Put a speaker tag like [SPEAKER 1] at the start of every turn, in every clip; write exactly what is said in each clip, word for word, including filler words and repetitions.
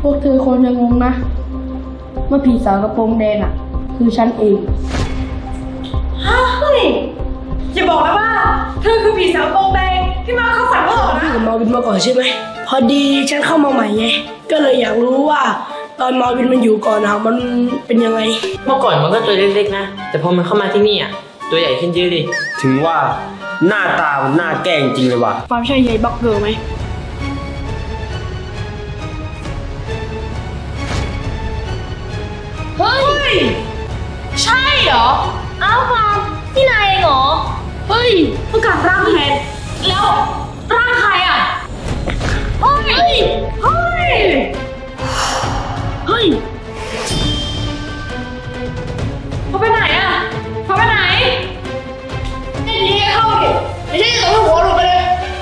[SPEAKER 1] พวกเธอคนยังงงนะเมื่อผีสาวกระโปรงแดงอ่ะคือฉันเอง
[SPEAKER 2] เฮ้ยอย่าบอกนะว่าเธอคือผีสาวโปรงแดงที่มาเข้าฝันเราเหรอนะ
[SPEAKER 1] พี่กับมาวินมาก่อนใช่ไหมพอดีฉันเข้ามาใหม่ไงก็เลยอยากรู้ว่าตอนมาวินมันอยู่ก่อนอะมันเป็นยังไง
[SPEAKER 3] เมื่อก่อนมันก็ตัวเล็กๆนะแต่พอมันเข้ามาที่นี่อ่ะตัวใหญ่ขึ้นเยอะเลย
[SPEAKER 4] ถึงว่าหน้าตามันน่าแกล้งจริงเลยว่ะ
[SPEAKER 1] ความใช่ยายบักเกอร์ไหม
[SPEAKER 2] เฮ้ยใช่เหรออ้าวฟาร์มนี่นายเองเหรอเฮ้ยประกาศร่างแทนแล้วร่างใครอ่ะเฮ้ยเฮ้ยเฮ้ยเขาไปไหนอ่ะเขาไปไหนไอ้นี่เข้าดิไม่ใช่ตัวหัวหลุดไปเลย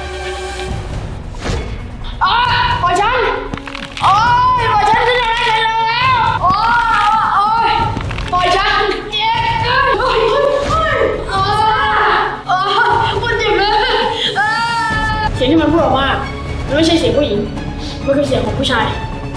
[SPEAKER 2] อ๋อปล่อยฉันโอ้ยปล่อยฉันขึ้นได้แล้วโอ้ยโอ้ยปล่อยฉันเจ็บโอ้ยโอ้ยโอ้ยโอ้ยมันเจ็บเลยเสียงที่มันพูดออกมามันไม่ใช่เสียงผู้หญิงมันคือเสียงของผู้ชาย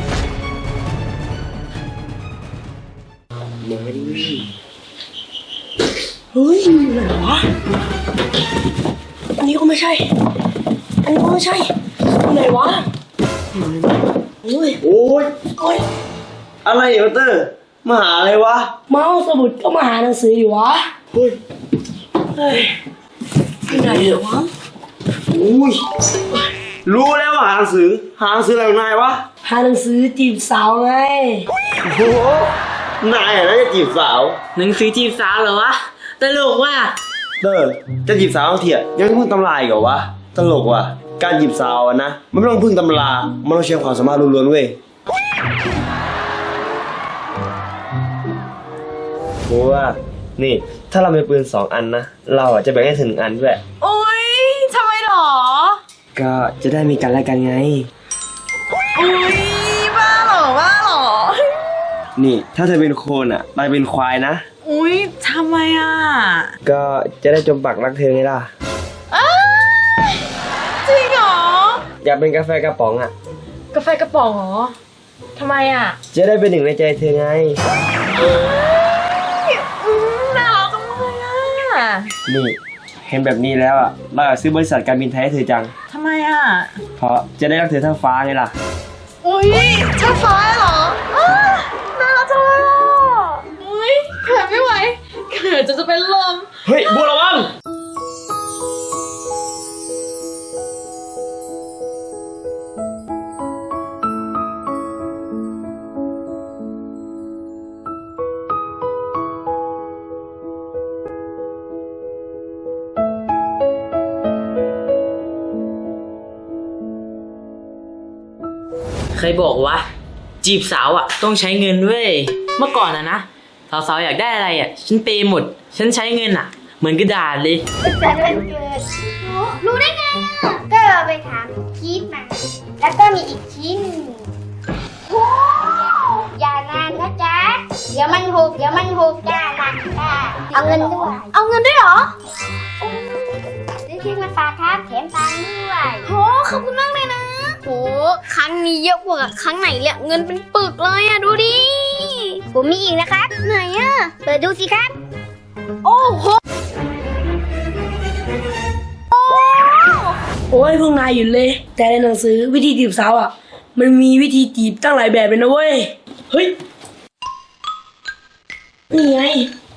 [SPEAKER 1] เฮ้ยไหนวะอันนี้ก็ไม่ใช่อันนี้ก็ไม่ใช่ไหนวะโอ้ย
[SPEAKER 4] โอ้ย
[SPEAKER 1] โอ้ย
[SPEAKER 4] อะไรเนี่ยพัตเตอร์มาหาอะไรวะ
[SPEAKER 1] มาเอาสมุดก็มาหาหนังสืออยู่วะ
[SPEAKER 4] เฮ้ย
[SPEAKER 1] เฮ้ยที่ไหนเหรอวะ
[SPEAKER 4] อุ้ยรู้แล้วว่าหาหนังสือหาหนังสืออะไรของนายวะ
[SPEAKER 1] หาหนังสือจีบสาวไง
[SPEAKER 4] โอ้โหนายอะน่าจะจีบสาว
[SPEAKER 3] หนังสือจีบสาวเหรอวะตลกว่ะ
[SPEAKER 4] เตอร์จะจีบสาวเถียยังไม่พึ่งตำราอีกเหรอวะตลกว่ะการจีบสาวอะนะมันไม่ต้องพึ่งตำรามันต้องใช้ความสามารถล้วนๆเว้ยเพราะว่านี่ถ้าเรามีปืนสองอันนะเราอะจะแบ่งให้ถึงหนึ่งอันด้วย
[SPEAKER 2] โอ๊ยทำไมหรอ
[SPEAKER 4] ก็จะได้มีกันและกันไง
[SPEAKER 2] อุ๊ยบ้าหรอบ้าหรอ
[SPEAKER 4] นี่ถ้าเธอเป็นโคนอ่ะนายเป็นควายนะ
[SPEAKER 2] อุ๊ยทำไมอ่ะ
[SPEAKER 4] ก็จะได้จมปักรักเธอไงล่ะ
[SPEAKER 2] จริงเหรอ
[SPEAKER 4] อยากเป็นกาแฟกระป๋องอ่ะ
[SPEAKER 2] กาแฟกระป๋องเหรอทำไมอ่ะ
[SPEAKER 4] จะได้เป็นหนึ่งในใจเธอไง
[SPEAKER 2] น่ารักจังเลยอ่ะ
[SPEAKER 4] นี่เห็นแบบนี้แล้วอ่ะเราอยากซื้อบริษัทการบินไทยให้เธอจัง
[SPEAKER 2] ทำไมอ่ะ
[SPEAKER 4] เพราะจะได้รักเธอเท่าฟ้าไงล่ะ
[SPEAKER 2] อุ๊ยเท่าฟ้าเหรอน่ารักจังเลยอ่ะอุ๊ยเขินไม่ไหวเขินจนจะเป็นลม
[SPEAKER 4] เฮ้ยบัวระวัง
[SPEAKER 3] เคยบอกว่าจีบสาวอ่ะต้องใช้เงินเว้ยเมื่อก่อนอะนะสาวๆอยากได้อะไรอ่ะฉันเปย์หมดฉันใช้เงินอ่ะเหมือนกระดาษเลย
[SPEAKER 5] แต่วันเกิดรู้ได้ไงอ่ะก็เราไปถามคิดมาแล้วก็มีอีกชิ้นโอ้อย่านานนะจ๊ะเดี๋ยวมันหกเดี๋ยวมันหกจ้าหนักจ้าเอาเงินด้วยเอาเงินด้วยเหรอซื้อชิ้นมาฝากครับแถมตังค์ด้วยโหขอบคุณมากเลยนะโหครั้งนี้เยอะกว่าครั้งไหนเลยเงินเป็นปึกเลยอ่ะดูดิผมมีอีกนะครับไหนอ่ะเปิดดูสิครับโอ้โห
[SPEAKER 1] โอ้ยพวกนายหยุดเลยแต่ในหนังสือวิธีจีบสาวอ่ะมันมีวิธีจีบตั้งหลายแบบเลยนะเว้ยเฮ้ยนี่ไง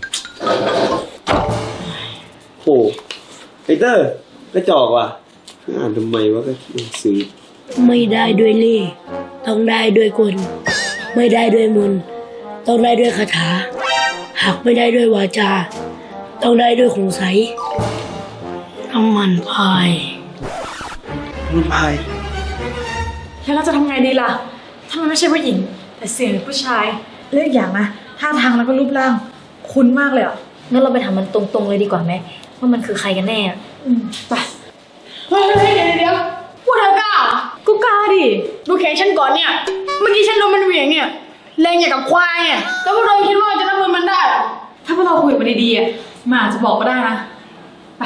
[SPEAKER 4] โอ้ไอเตอร์กระจอกว่ะอ่านทำไมวะก็หนังสือ
[SPEAKER 1] ไม่ได้ด้วยเล่ห์ต้องได้ด้วยกลไม่ได้ด้วยมนต์ต้องได้ด้วยคาถาหากไม่ได้ด้วยวาจาต้องได้ด้วยของใสน้ำมันพาย
[SPEAKER 4] มันพาย
[SPEAKER 2] แล้วเราจะทำไงดีล่ะถ้ามันไม่ใช่ผู้หญิงแต่เสียงผู้ชายเลือกอย่างนะท่าทางแล้วก็รูปร่างคุ้นมากเลยอ่ะ
[SPEAKER 6] งั้นเราไปถามมันตรงๆเลยดีกว่าไหมว่ามันคือใครกันแน่
[SPEAKER 2] อืมไปเฮ้ยเดี๋ยวเดี๋ยวพูดเธอกล้ากูกล้าดิดูแขนฉันก่อนเนี่ยเมื่อกี้ฉันโดนมันเหวี่ยงเนี่ยแรงอย่างกับควายเนี่ยแล้วพวกเราคิดว่าจะรับมือมันได้ถ้าพวกเราคุยกันดีๆอ่ะมันอาจจะบอกก็ได้นะไป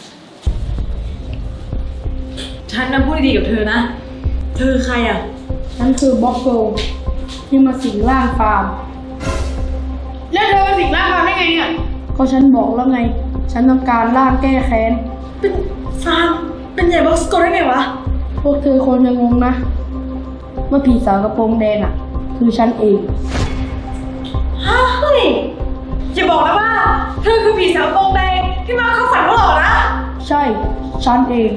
[SPEAKER 2] ฉันนะพูดดีๆกับเธอนะเธอใครอ่ะฉันคือบล็อกโกที่มาสิงร่างฟาร์มแล้วเธอมาสิงร่างฟาร์มได้ไงเนี่ยก็ฉันบอกแล้วไง ฉันต้องการร่างแก้แค้นเป็นฟาร์มเป็นใหญ่บล็อกโกได้ไงวะพวกเธอคนจะงงนะว่าผีสาวกระโปรงแดงอ่ะคือฉันเองเฮ้ยอย่าบอกนะว่าเธอคือผีสาวกระโปรงแดงที่มาเข้าฝันพวกเรานะใช่ฉันเอง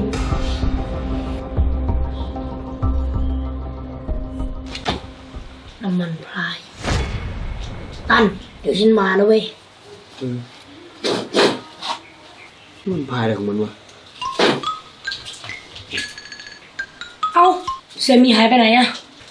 [SPEAKER 1] น้ำมันพรายตั้นเดี๋ยวฉันมานะเว้ย
[SPEAKER 4] มันพายอะไรของมันวะ
[SPEAKER 1] เอ้าเซมีหายไปไหนอะ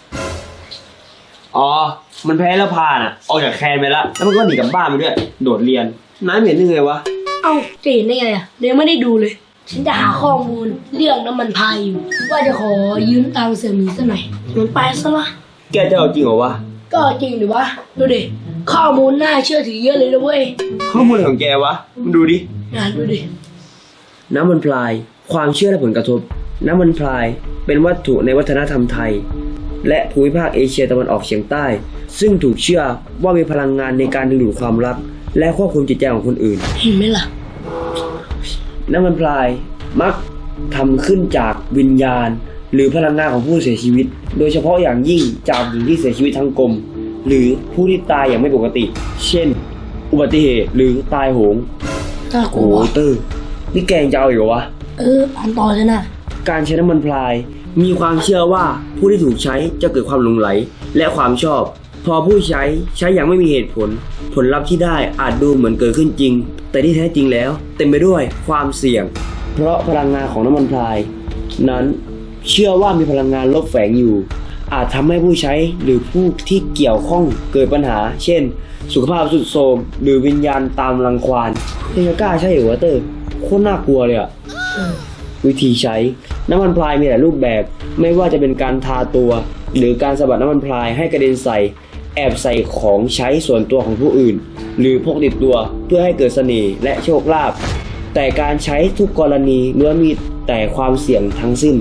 [SPEAKER 4] อ๋อ มันแพ้แล้วพาน่ะ ออกจากแคนไปแล้ว แล้วมันก็หนีกลับบ้านไปด้วย โดดเรียนน้าเห็นได้ไงวะ
[SPEAKER 1] เอ้าจะเห็นได้ไงอะเดี๋ยวไม่ได้ดูเลย ฉันจะหาข้อมูลเรื่องน้ำมันพรายอยู่ ว่าจะขอยืมตังค์เสี่ยหมีสักหน่อยมันไปซะละ
[SPEAKER 4] แกจะเอาจริงเหรอวะ
[SPEAKER 1] ก็จริงดิวะดูดิข้อมูลน่าเชื่อถือเยอะเลยนะเว้ย
[SPEAKER 4] ข้อมูลอะไรของแกวะมันดูดิ
[SPEAKER 1] น่าดูดิ
[SPEAKER 7] น้ำมันพราย ความเชื่อและผลกระทบ น้ำมันพรายเป็นวัตถุในวัฒนธรรมไทย และภูมิภาคเอเชียตะวันออกเฉียงใต้ ซึ่งถูกเชื่อว่ามีพลังงานในการดึงดูดความรัก และควบคุมจิตใจของคนอื่น
[SPEAKER 1] เห็นไหมล่ะ
[SPEAKER 7] น้ำมันพรายมักทำขึ้นจากวิญญาณ หรือพลังงานของผู้เสียชีวิต โดยเฉพาะอย่างยิ่งจากหญิงที่เสียชีวิตทั้งกลม หรือผู้ที่ตายอย่างไม่ปกติ เช่น อุบัติเหตุหรือตายโหง
[SPEAKER 1] น่ากลั
[SPEAKER 7] โอ้
[SPEAKER 1] ว
[SPEAKER 7] โหเตอร์นี่แกยังจะเอาอีกเหรอวะ
[SPEAKER 1] เอออ่านต่อเลยนะ
[SPEAKER 7] การใช้น้ำมันพรายมีความเชื่อว่าผู้ที่ถูกใช้จะเกิดความหลงไหลและความชอบ พอผู้ใช้ใช้อย่างไม่มีเหตุผล ผลลัพธ์ที่ได้อาจดูเหมือนเกิดขึ้นจริง แต่ที่แท้จริงแล้วเต็มไปด้วยความเสี่ยง เพราะพลังงานของน้ำมันพรายนั้นเชื่อว่ามีพลังงานลบแฝงอยู่ อาจทำให้ผู้ใช้หรือผู้ที่เกี่ยวข้องเกิดปัญหา เช่น สุขภาพทรุดโทรมหรือวิญญาณตามรังควานยังจะกล้าใช่เหรอวะเตอร์โคตรน่ากลัวเลยอะ วิธีใช้น้ำมันพรายมีหลายรูปแบบไม่ว่าจะเป็นการทาตัว หรือการสะบัดน้ำมันพรายให้กระเด็นใส่แอบใส่ของใช้ส่วนตัวของผู้อื่น หรือพกติดตัวเพื่อให้เกิดเสน่ห์และโชคลาภแต่การใช้ทุกกรณีล้วนมีแต่ความเสี่ยงทั้งสิ้น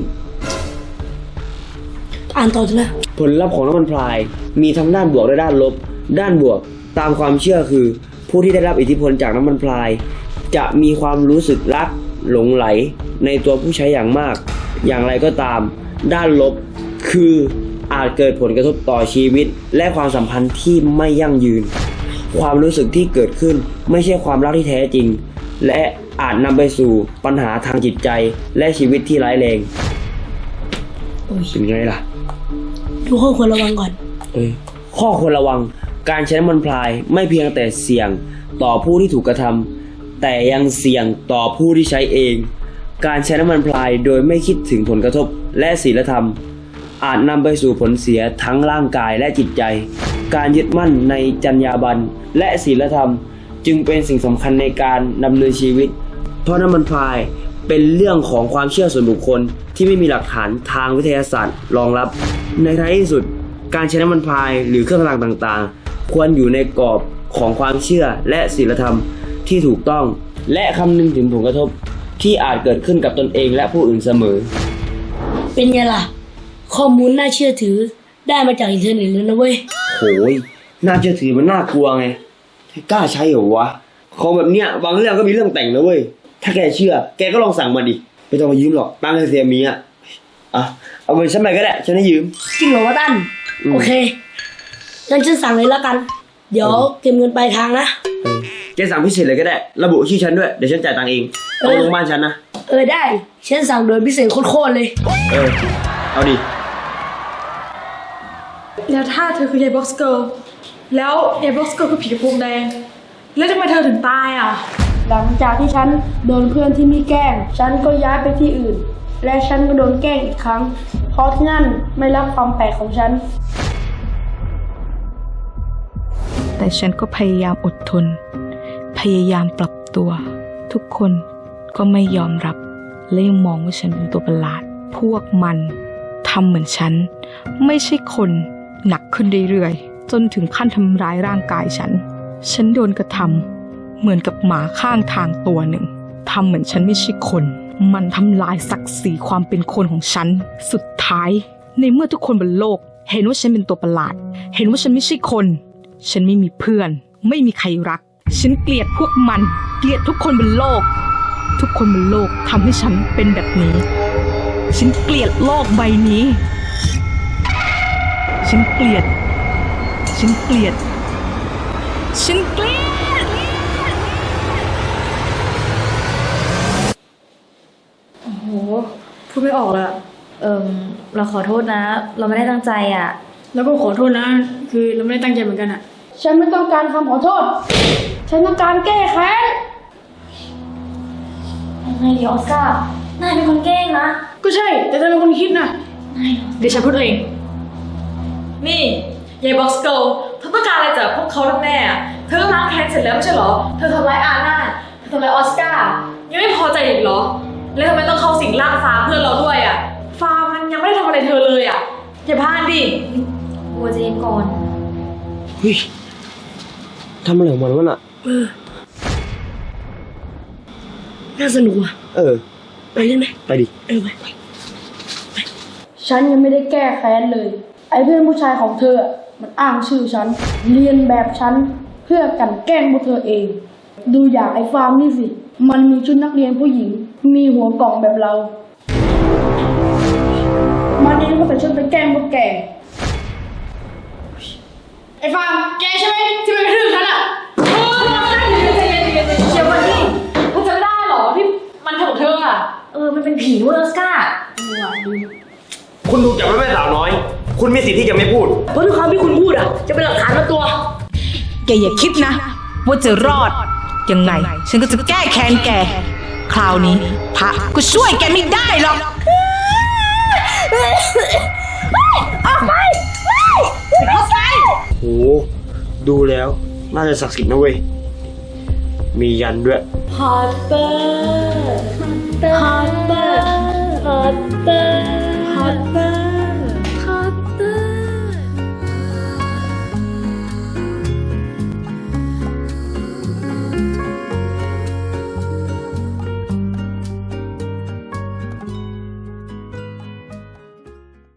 [SPEAKER 1] อ่านต่อเลยนะ
[SPEAKER 7] ผลลัพธ์ของน้ำมันพรายมีทั้งด้านบวกและด้านลบ ด้านบวกตามความเชื่อคือ ผู้ที่ได้รับอิทธิพลจากน้ำมันพราย จะมีความรู้สึกรักหลงไหลในตัวผู้ใช้อย่างมาก อย่างไรก็ตาม ด้านลบคืออาจเกิดผลกระทบต่อชีวิต และความสัมพันธ์ที่ไม่ยั่งยืน ความรู้สึกที่เกิดขึ้นไม่ใช่ความรักที่แท้จริง และอาจนำไปสู่ปัญหาทางจิตใจและชีวิตที่ร้ายแรง
[SPEAKER 1] โอ้ย
[SPEAKER 7] เป็นไงล่ะ
[SPEAKER 1] ดูข้อควรระวังก่อน
[SPEAKER 7] เอ้ยข้อควรระวังการใช้น้ำมันพรายไม่เพียงแต่เสี่ยงต่อผู้ที่ถูกกระทำแต่ยังเสี่ยงต่อผู้ที่ใช้เอง การใช้น้ำมันพรายโดยไม่คิดถึงผลกระทบและศีลธรรม อาจนำไปสู่ผลเสียทั้งร่างกายและจิตใจ การยึดมั่นในจรรยาบรรณและศีลธรรม จึงเป็นสิ่งสำคัญในการดำเนินชีวิต เพราะน้ำมันพรายเป็นเรื่องของความเชื่อส่วนบุคคลที่ไม่มีหลักฐานทางวิทยาศาสตร์รองรับ ในท้ายที่สุดการใช้น้ำมันพรายหรือเครื่องรางต่างๆ ควรอยู่ในกรอบของความเชื่อและศีลธรรมที่ถูกต้อง และคำนึงถึงผลกระทบที่อาจเกิดขึ้นกับตนเองและผู้อื่นเสมอ
[SPEAKER 1] เป็นไงล่ะ ข้อมูลน่าเชื่อถือได้มาจากอินเทอร์เน็ตเลยนะเว้ย
[SPEAKER 7] โหยน่าเชื่อถือมันน่ากลัวไงกล้าใช้เหรอวะของแบบเนี้ยบางเรื่องก็มีเรื่องแต่งนะเว้ยถ้าแกเชื่อแกก็ลองสั่งมาดิไม่ต้องมายืมหรอกตั้งให้เสียมีอ่ะอ่ะเอาไปฉันไปก็ได้ฉันให้ยืม
[SPEAKER 1] จริงเหรอวะตั้น
[SPEAKER 7] อืม
[SPEAKER 1] โอเคงั้นฉันสั่งเลยแล้วกัน เดี๋ยวเก็บเงินปลายทางนะ
[SPEAKER 7] เออแกสั่งพิเศษเลยก็ได้ระบุชื่อฉันด้วยเดี๋ยวฉันจ่ายตังค์เองเอาลงบ้านฉันนะ
[SPEAKER 1] เออได้ ฉันสั่งโดยพิเศษโคตรๆเลย
[SPEAKER 7] เออเอาดิ
[SPEAKER 2] แล้วถ้าเธอคือยายบ็อกซ์เกิร์ลแล้วยายบ็อกซ์เกิร์ลคือผีกระโปรงแดงแล้วทำไมเธอถึงตายอ่ะหลังจากที่ฉันโดนเพื่อนที่นี่แกล้งฉันก็ย้ายไปที่อื่น และฉันก็โดนแกล้งอีกครั้งเพราะที่นั่นไม่รับความแปลกของฉัน
[SPEAKER 8] แต่ฉันก็พยายามอดทน พยายามปรับตัว ทุกคนก็ไม่ยอมรับ และยังมองว่าฉันเป็นตัวประหลาด พวกมันทำเหมือนฉัน ไม่ใช่คนหนักขึ้นเรื่อยๆ จนถึงขั้นทำร้ายร่างกายฉัน ฉันโดนกระทำเหมือนกับหมาข้างทางตัวหนึ่ง ทำเหมือนฉันไม่ใช่คน มันทำลายศักดิ์ศรีความเป็นคนของฉัน สุดท้ายในเมื่อทุกคนบนโลกเห็นว่าฉันเป็นตัวประหลาด เห็นว่าฉันไม่ใช่คน ฉันไม่มีเพื่อน ไม่มีใครรัก ฉันเกลียดพวกมัน เกลียดทุกคนบนโลก ทุกคนบนโลกทำให้ฉันเป็นแบบนี้ ฉันเกลียดโลกใบนี้ ฉันเกลียด ฉันเกลียด ฉันเกลียด
[SPEAKER 6] โอ้โห พูดไม่ออกเลยอะเอิมเราขอโทษนะ เราไม่ได้ตั้งใจอ่ะ
[SPEAKER 2] แล้วก็ขอโทษนะ คือเราไม่ได้ตั้งใจเหมือนกันอะฉันไม่ต้องการคำขอโทษ ฉันต้องการแก้แค้น
[SPEAKER 6] ยังไงดีออสการ์นายเป็นคนแกล้งนะ
[SPEAKER 2] ก็ใช่ แต่เธอเป็นคนคิดนะ เดี๋ยวฉันพูดเอง
[SPEAKER 9] นี่ยายบ็อกซ์เกิลเธอต้องการอะไรจากพวกเขาแน่ๆอะเธอล้างแค้นเสร็จแล้วไม่ใช่เหรอ เธอทำร้ายอาน่าเธอทำร้ายออสการ์ยังไม่พอใจอีกเหรอ แล้วทำไมต้องเข้าสิงร่างฟ้าเพื่อนเราด้วยอ่ะ ฟ้ามันยังไม่ได้ทำอะไรเธอเลยอ่ะอย่าพลาดดิ
[SPEAKER 6] บัวใจเย็นก่อน
[SPEAKER 7] เฮ้ยทำอะไรของมันวะน่ะ
[SPEAKER 1] เออ น่าสนุกว่ะ
[SPEAKER 7] เออ
[SPEAKER 1] ไปเล่นไหม
[SPEAKER 7] ไปดิ
[SPEAKER 1] เออไป
[SPEAKER 2] ฉันยังไม่ได้แก้แค้นเลย ไอ้เพื่อนผู้ชายของเธออะมันอ้างชื่อฉัน เรียนแบบฉัน เพื่อกลั่นแกล้งพวกเธอเอง ดูอย่างไอ้ฟาร์มนี่สิ มันมีชุดนักเรียนผู้หญิง มีหัวกล่องแบบเรา มันเองก็ใส่ชุดไปแกล้งพวกแก ไอ้ฟาร์มแกใช่ไหมที่ไปกระทืบฉันอ่ะ
[SPEAKER 9] เออใจเย็นใจเย็นใจเย็นเดี๋ยววันนี้เธอจำได้เหรอที่มันทำกับเธออ่ะ
[SPEAKER 6] เออ มันเป็นผีเว้ยออสการ์
[SPEAKER 7] คุณถูกจับไว้แม่สาวน้อย คุณมีสิทธิ์ที่จะไม่พูด
[SPEAKER 1] เพราะทุกคำที่คุณพูดอ่ะ จะเป็นหลักฐานมาตัว
[SPEAKER 8] แกอย่าคิดนะ ว่าจะรอด ยังไง ฉันก็จะแก้แค้นแก คราวนี้พระก็ช่วยแกไม่ได้หรอก
[SPEAKER 7] โห ดูแล้ว น่าจะศักดิ์สิทธิ์นะเว้ย มียันด้วย
[SPEAKER 6] พอตเตอร์พอตเตอร์พอตเตอร์พอตเตอร์